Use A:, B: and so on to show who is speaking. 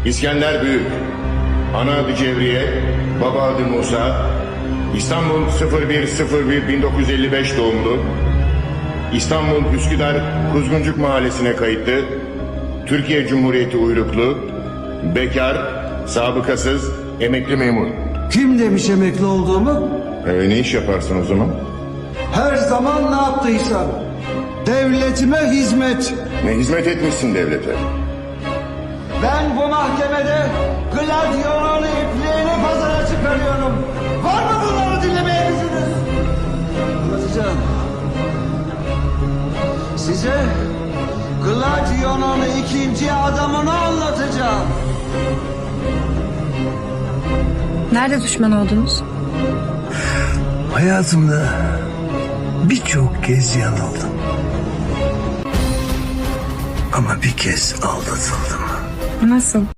A: İskender Büyük, ana adı Cevriye, baba adı Musa, İstanbul 01.01.1955 doğumlu, İstanbul Üsküdar Kuzguncuk Mahallesi'ne kayıtlı, Türkiye Cumhuriyeti uyruklu, bekar, sabıkasız, emekli memur.
B: Kim demiş emekli olduğumu?
A: Ne iş yaparsın o zaman?
B: Her zaman ne yaptıysam. Devletime hizmet.
A: Ne hizmet etmişsin devlete?
B: Ben bu mahkemede gladyonun ipliğini pazara çıkarıyorum. Var mı bunları dinlemeye gücünüz? Anlatacağım. Size gladyonun ikinci adamını anlatacağım.
C: Nerede düşman oldunuz?
D: Hayatımda birçok kez yanıldım. Ama bir kez aldatıldım.
C: Nasıl?